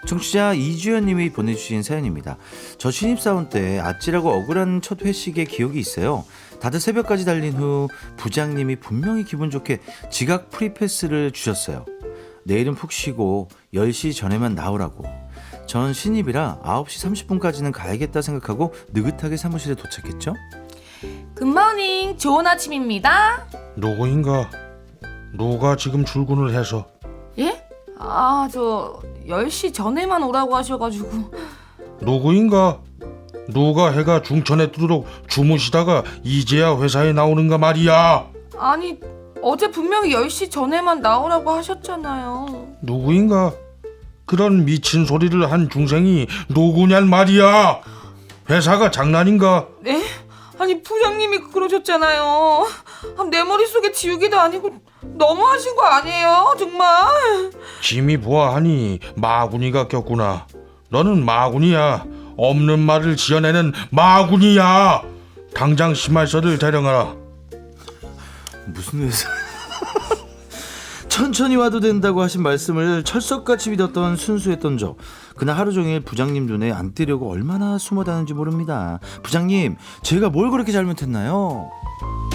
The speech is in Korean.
청취자 이주연님이 보내주신 사연입니다. 저 신입사원 때 아찔하고 억울한 첫 회식의 기억이 있어요. 다들 새벽까지 달린 후 부장님이 분명히 기분 좋게 지각 프리패스를 주셨어요. 내일은 푹 쉬고 10시 전에만 나오라고. 전 신입이라 9시 30분까지는 가야겠다 생각하고 느긋하게 사무실에 도착했죠. 굿모닝, 좋은 아침입니다. 누구인가? 누가 지금 출근을 해서? 예? 저 10시 전에만 오라고 하셔가지고. 누구인가? 누가 해가 중천에 뜨도록 주무시다가 이제야 회사에 나오는가 말이야. 아니, 어제 분명히 10시 전에만 나오라고 하셨잖아요. 누구인가? 그런 미친 소리를 한 중생이 누구냔 말이야. 회사가 장난인가? 네? 아니, 부장님이 그러셨잖아요. 내 머릿속에 지우개도 아니고 너무하신 거 아니에요? 정말. 짐이 보아하니 마구니가 꼈구나. 너는 마구니야. 없는 말을 지어내는 마구니야. 당장 심할서를 대령하라. 무슨 회사? 천천히 와도 된다고 하신 말씀을 철석같이 믿었던 순수했던 저. 그날 하루 종일 부장님 눈에 안 띄려고 얼마나 숨어 다는지 모릅니다. 부장님, 제가 뭘 그렇게 잘못했나요?